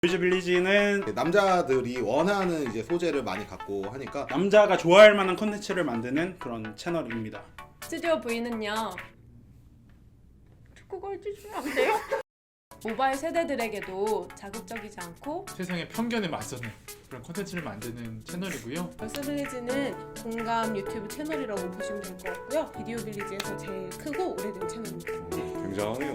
보이즈 빌리지는 남자들이 원하는 이제 소재를 많이 갖고 하니까 남자가 좋아할 만한 콘텐츠를 만드는 그런 채널입니다. 스튜디오 V는요. 그걸 해주시면 안 돼요? 모바일 세대들에게도 자극적이지 않고 세상의 편견에 맞서는 그런 콘텐츠를 만드는 채널이고요. 벌써 빌리지는 공감 유튜브 채널이라고 보시면 될 것 같고요. 비디오 빌리지에서 제일 크고 오래된 채널입니다. 굉장해요.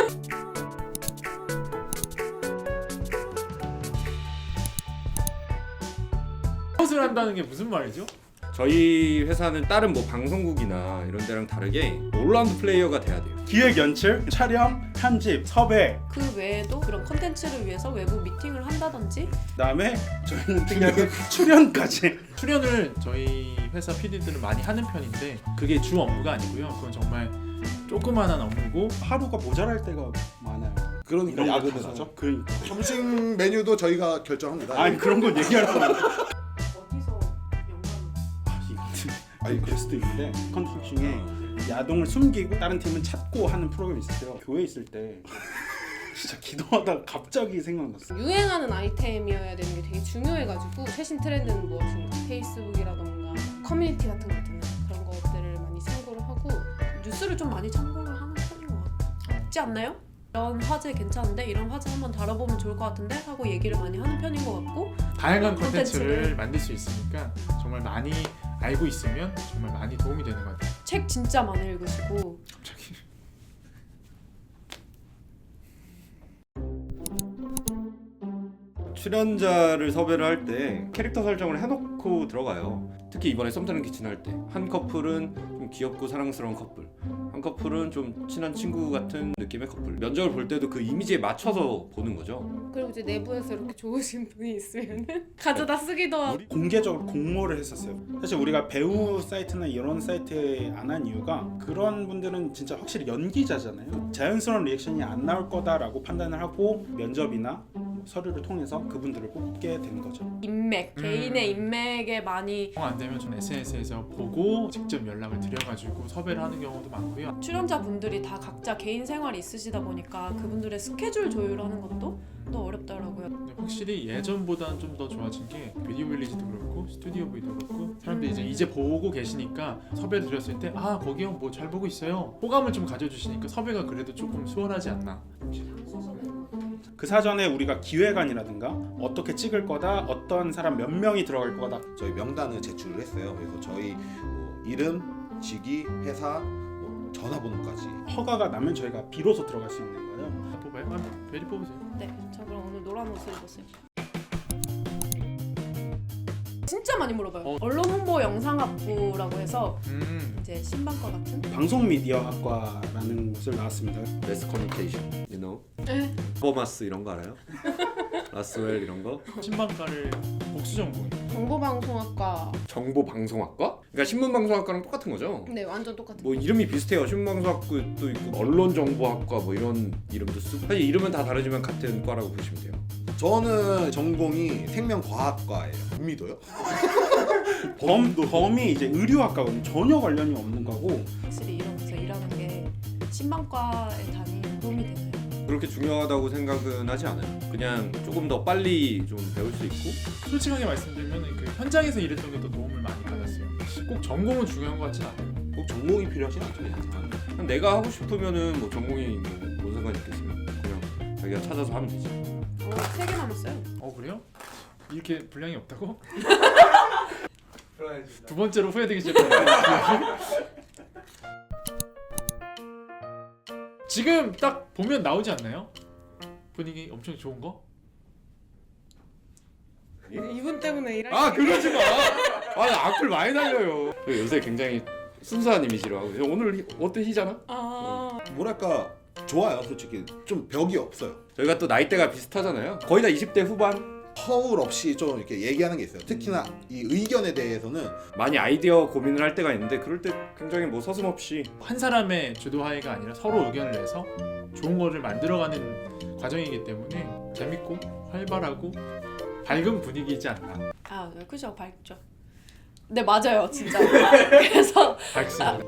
컷을 한다는 게 무슨 말이죠? 저희 회사는 다른 뭐 방송국이나 이런 데랑 다르게 올라운드 플레이어가 돼야 돼요. 기획 연출, 촬영, 편집, 섭외, 그 외에도 그런 콘텐츠를 위해서 외부 미팅을 한다든지 그다음에 저희는 특이하게 출연까지. 출연을 저희 회사 PD들은 많이 하는 편인데 그게 주 업무가 아니고요. 그건 정말 조그만한 업무고 하루가 모자랄 때가 많아요. 그러니까 이런 거 야근을 다 하죠. 그러니까. 점심 메뉴도 저희가 결정합니다. 아니 그런 건 얘기할 수 없는. 어디서 영감을 아니 그럴 수도 있는데 컨텐츠 중에 야동을 숨기고 다른 팀은 찾고 하는 프로그램이 있었어요. 교회 있을 때 진짜 기도하다가 갑자기 생각났어. 유행하는 아이템이어야 되는 게 되게 중요해가지고 최신 트렌드는 무엇인가 페이스북이라던가 커뮤니티 같은 것들은 그런 것들을 많이 참고를 하고 뉴스를 좀 많이 참고를 하는 편인 것 같지 않나요? 이런 화제 괜찮은데 이런 화제 한번 다뤄보면 좋을 것 같은데 하고 얘기를 많이 하는 편인 것 같고 다양한 콘텐츠를 콘텐츠를 만들 수 있으니까 정말 많이 알고 있으면 정말 많이 도움이 되는 것 같아요. 책 진짜 많이 읽으시고 갑자기 출연자를 섭외를 할 때 캐릭터 설정을 해놓고 들어가요. 특히 이번에 썸타는 키친 할 때 한 커플은 좀 귀엽고 사랑스러운 커플, 한 커플은 좀 친한 친구 같은 느낌의 커플. 면접을 볼 때도 그 이미지에 맞춰서 보는 거죠. 그리고 이제 내부에서 이렇게 좋으신 분이 있으면은 가져다 쓰기도 하고 공개적으로 공모를 했었어요. 사실 우리가 배우 사이트나 이런 사이트에 안 한 이유가 그런 분들은 진짜 확실히 연기자잖아요. 자연스러운 리액션이 안 나올 거다라고 판단을 하고 면접이나 서류를 통해서 그분들을 뽑게 된 거죠. 인맥, 개인의 인맥에 많이 안 되면 전 SNS에서 보고 직접 연락을 드려가지고 섭외를 하는 경우도 많고요. 출연자분들이 다 각자 개인 생활이 있으시다 보니까 그분들의 스케줄 조율하는 것도 더 어렵더라고요. 근데 확실히 예전보다는 좀 더 좋아진 게 비디오 빌리지도 그렇고 스튜디오 V도 그렇고 사람들이 이제 보고 계시니까 섭외를 드렸을 때 아 거기요 뭐 잘 보고 있어요 호감을 좀 가져주시니까 섭외가 그래도 조금 수월하지 않나. 그 사전에 우리가 기획안이라든가 어떻게 찍을 거다, 어떤 사람 몇 명이 들어갈 거다. 저희 명단을 제출을 했어요. 그래서 저희 뭐 이름, 직위, 회사, 뭐 전화번호까지. 허가가 나면 저희가 비로소 들어갈 수 있는 거예요. 다 뽑아요? 아, 베리 뽑으세요. 네, 저 그럼 오늘 노란 옷을 입었어요. 진짜 많이 물어봐요. 언론 홍보 영상학부라고 해서 이제 신방과 같은. 방송 미디어 학과라는 곳을 나왔습니다. 매스 커뮤니케이션, you know, 네. 버마스 이런 거 알아요? 라스웰 이런 거? 신방과를 복수 전공. 정보방송학과. 정보방송학과? 그러니까 신문방송학과랑 똑같은 거죠? 네, 완전 똑같은. 뭐 이름이 비슷해요. 신문방송학과도 있고 언론정보학과 뭐 이런 이름도 쓰고 사실 이름은 다 다르지만 같은 과라고 보시면 돼요. 저는 전공이 생명과학과예요. 못 믿어요? 범이 이제 의료학과거든요. 전혀 관련이 없는 거고. 확실히 이런 데서 일하는 게 신방과에 다니는 도움이 되나요? 그렇게 중요하다고 생각은 하지 않아요. 그냥 조금 더 빨리 좀 배울 수 있고 솔직하게 말씀드리면 그 현장에서 일했던 게 더 도움을 많이 받았어요. 꼭 전공은 중요한 것 같진 않아요. 꼭 전공이 필요하진 않죠. 그냥 내가 하고 싶으면은 뭐 전공이 뭔 상관이 있겠어요. 그냥 자기가 찾아서 하면 되지. 3개 남았어요. 그래요? 이렇게 분량이 없다고? 두 번째로 후회되기 시작했어요. 지금 딱 보면 나오지 않나요? 분위기 엄청 좋은 거? 이분 때문에 일할 아 그러지 마. 아 악플 많이 달려요. 요새 굉장히 순수한 이미지로 하고 오늘 어때 희잖아? 뭐랄까 좋아요. 솔직히 좀 벽이 없어요. 저희가 또 나이대가 비슷하잖아요. 거의 다 20대 후반. 허울 없이 좀 이렇게 얘기하는 게 있어요. 특히나 이 의견에 대해서는 많이 아이디어 고민을 할 때가 있는데 그럴 때 굉장히 뭐 서슴없이 한 사람의 주도하에가 아니라 서로 의견을 내서 좋은 거를 만들어가는 과정이기 때문에 재밌고 활발하고 밝은 분위기이지 않나. 아, 네, 그죠, 밝죠. 네, 맞아요, 진짜. 그래서 밝습니다.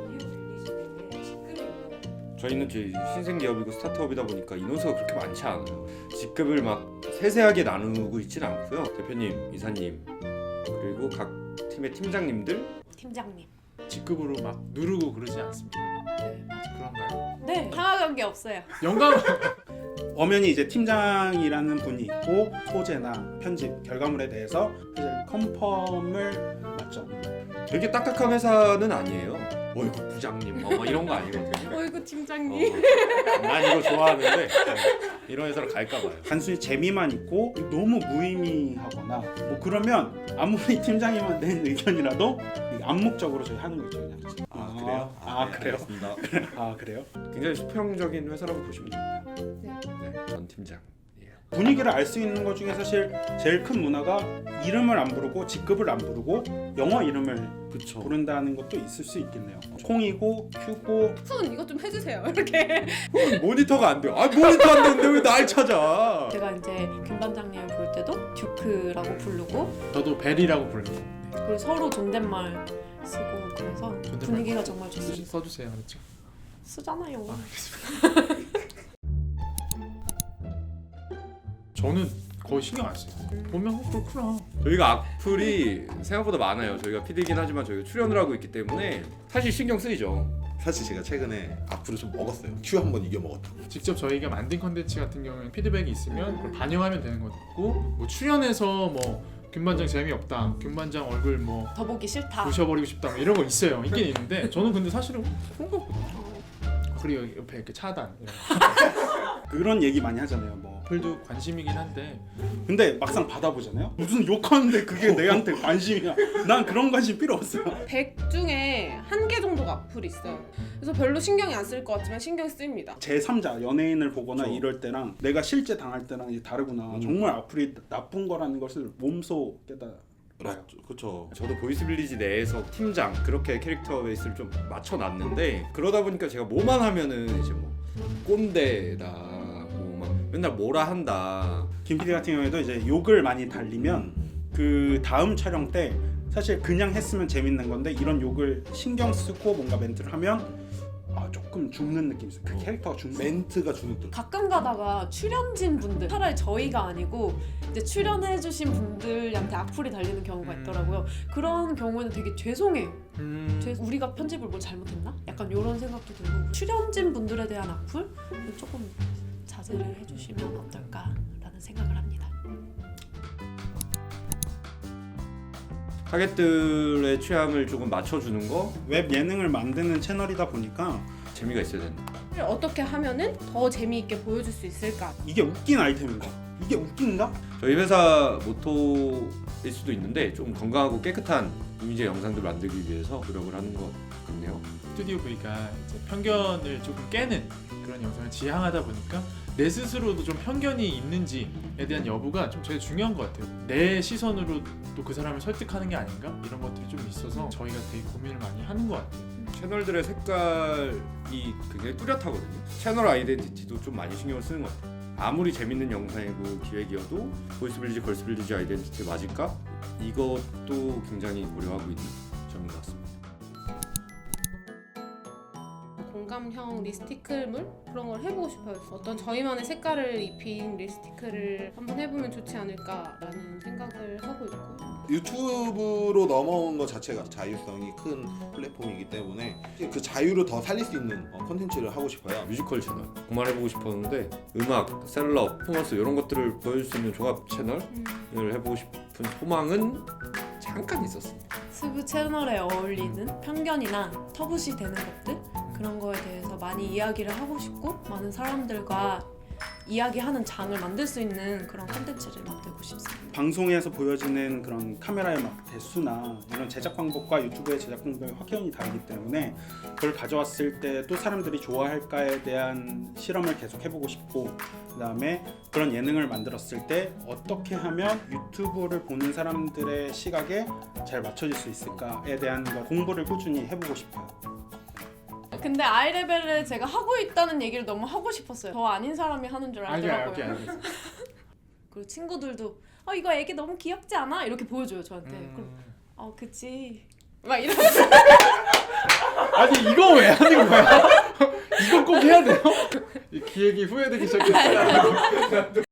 저희는 저희 신생 기업이고 스타트업이다 보니까 인원수가 그렇게 많지 않아요. 직급을 막 세세하게 나누고 있지는 않고요. 대표님, 이사님 그리고 각 팀의 팀장님들 팀장님. 직급으로 막 누르고 그러지 않습니다. 네, 맞아. 그런가요? 네, 상하관 계 없어요. 영감 엄연히 이제 팀장이라는 분이 있고 소재나 편집 결과물에 대해서 사실 컨펌을 맞죠. 되게 딱딱한 회사는 아니에요. 어이구 부장님 뭐 이런 거 아니거든요. 어이구 팀장님. 난 이거 좋아하는데 이런 회사로 갈까봐요. 단순히 재미만 있고 너무 무의미하거나 뭐 그러면 아무리 팀장이만 낸 의견이라도 암묵적으로 저희 하는 거죠 그냥. 아 그래요? 아, 그래요? 알겠습니다. 아 그래요? 굉장히 수평적인 회사라고 보시면 됩니다. 네. 네, 전 팀장. 분위기를 알 수 있는 것 중에 사실 제일 큰 문화가 이름을 안 부르고 직급을 안 부르고 영어 이름을 그렇죠. 부른다는 것도 있을 수 있겠네요. 콩이고 큐고 손 이것 좀 해주세요. 이렇게. 모니터가 안 돼요. 아 모니터 안 되는데 왜 날 찾아? 제가 이제 김 반장님을 볼 때도 듀크라고 부르고 저도 벨이라고 부르고 네. 그리고 서로 존댓말 쓰고 그래서 존댓말 분위기가 정말 좋습니다. 써주세요. 그렇죠. 쓰잖아요. 아, 알겠습니다. 저는 거의 신경 안 써요. 보면 그렇구나. 저희가 악플이 생각보다 많아요. 저희가 PD이긴 하지만 저희가 출연을 하고 있기 때문에 사실 신경 쓰이죠. 사실 제가 최근에 악플을 좀 먹었어요. 큐 한 번 이겨 먹었다고. 직접 저희가 만든 컨텐츠 같은 경우는 피드백이 있으면 그걸 반영하면 되는 거고 뭐 출연해서 뭐 김반장 재미없다, 김반장 얼굴 뭐 더 보기 싫다. 부셔버리고 싶다 뭐 이런 거 있어요. 있긴 있는데 저는 근데 사실은 그런 거 없거든요. 그리고 옆에 이렇게 차단 이런 거. 그런 얘기 많이 하잖아요. 뭐 악플도 관심이긴 한데 근데 막상 받아보잖아요. 무슨 욕하는데 그게 내한테 관심이야. 난 그런 관심 필요 없어요. 100 중에 1개 정도가 악플이 있어요. 그래서 별로 신경이 안 쓸 것 같지만 신경 쓰입니다. 제3자 연예인을 보거나 그쵸. 이럴 때랑 내가 실제 당할 때랑 이제 다르구나. 정말 악플이 나쁜 거라는 것을 몸소 깨달아요. 그렇죠. 저도 보이스빌리지 내에서 팀장 그렇게 캐릭터 베이스를 좀 맞춰놨는데 그러다 보니까 제가 뭐만 하면은 이제 뭐 꼰대다 뭐 막 맨날 뭐라 한다. 김 PD 같은 경우에도 이제 욕을 많이 달리면 그 다음 촬영 때 사실 그냥 했으면 재밌는 건데 이런 욕을 신경 쓰고 뭔가 멘트를 하면 조금 죽는 느낌이 있어요. 그 캐릭터가 죽는 멘트가 주눅들. 가끔 가다가 출연진 분들 차라리 저희가 아니고 이제 출연해주신 분들한테 악플이 달리는 경우가 있더라고요. 그런 경우에는 되게 죄송해요. 우리가 편집을 뭘 잘못했나? 약간 이런 생각도 들고 출연진 분들에 대한 악플 조금 자제를 해주시면 어떨까라는 생각을 합니다. 타겟들의 취향을 조금 맞춰주는 거 웹 예능을 만드는 채널이다 보니까 재미가 있어야 된다. 어떻게 하면은 더 재미있게 보여줄 수 있을까? 이게 웃긴 아이템인가? 이게 웃긴가? 저희 회사 모토일 수도 있는데 좀 건강하고 깨끗한 이미지 영상들 만들기 위해서 노력을 하는 것 같네요. 스튜디오 V가 이제 편견을 조금 깨는 그런 영상을 지향하다 보니까 내 스스로도 좀 편견이 있는지에 대한 여부가 좀 제일 중요한 것 같아요. 내 시선으로 또 그 사람을 설득하는 게 아닌가? 이런 것들이 좀 있어서 저희가 되게 고민을 많이 하는 것 같아요. 채널들의 색깔이 굉장히 뚜렷하거든요. 채널 아이덴티티도 좀 많이 신경을 쓰는 것 같아요. 아무리 재밌는 영상이고 기획이어도 보이스빌리지, 걸스빌리지 아이덴티티 맞을까? 이것도 굉장히 고려하고 있는 점인 것 같습니다. 공감형 리스티클물 그런 걸 해보고 싶어요. 어떤 저희만의 색깔을 입힌 리스티클을 한번 해보면 좋지 않을까라는 생각을 하고 있고요. 유튜브로 넘어온 것 자체가 자유성이 큰 플랫폼이기 때문에 그 자유를 더 살릴 수 있는 콘텐츠를 하고 싶어요. 뮤지컬 채널 그만해보고 싶었는데 음악, 셀럽, 퍼포먼스 이런 것들을 보여줄 수 있는 종합 채널을 해보고 싶은 소망은 잠깐 있었습니다. 스브 채널에 어울리는 편견이나 터부시 되는 것들 그런 거에 대해서 많이 이야기를 하고 싶고 많은 사람들과 이야기하는 장을 만들 수 있는 그런 콘텐츠를 만들고 싶습니다. 방송에서 보여지는 그런 카메라의 막 대수나 이런 제작 방법과 유튜브의 제작 방법이 확연히 다르기 때문에 그걸 가져왔을 때 또 사람들이 좋아할까에 대한 실험을 계속 해보고 싶고 그다음에 그런 예능을 만들었을 때 어떻게 하면 유튜브를 보는 사람들의 시각에 잘 맞춰질 수 있을까에 대한 공부를 꾸준히 해보고 싶어요. 근데 아이레벨을 제가 하고 있다는 얘기를 너무 하고 싶었어요. 저 아닌 사람이 하는 줄 알더라고요. 알게. 그리고 친구들도 이거 애기 너무 귀엽지 않아? 이렇게 보여줘요 저한테. 그럼 그치 막 이러면서 아니 이거 왜 하는 거야? 이거 꼭 해야 돼요? 이 기획이 후회되기 시작했어요.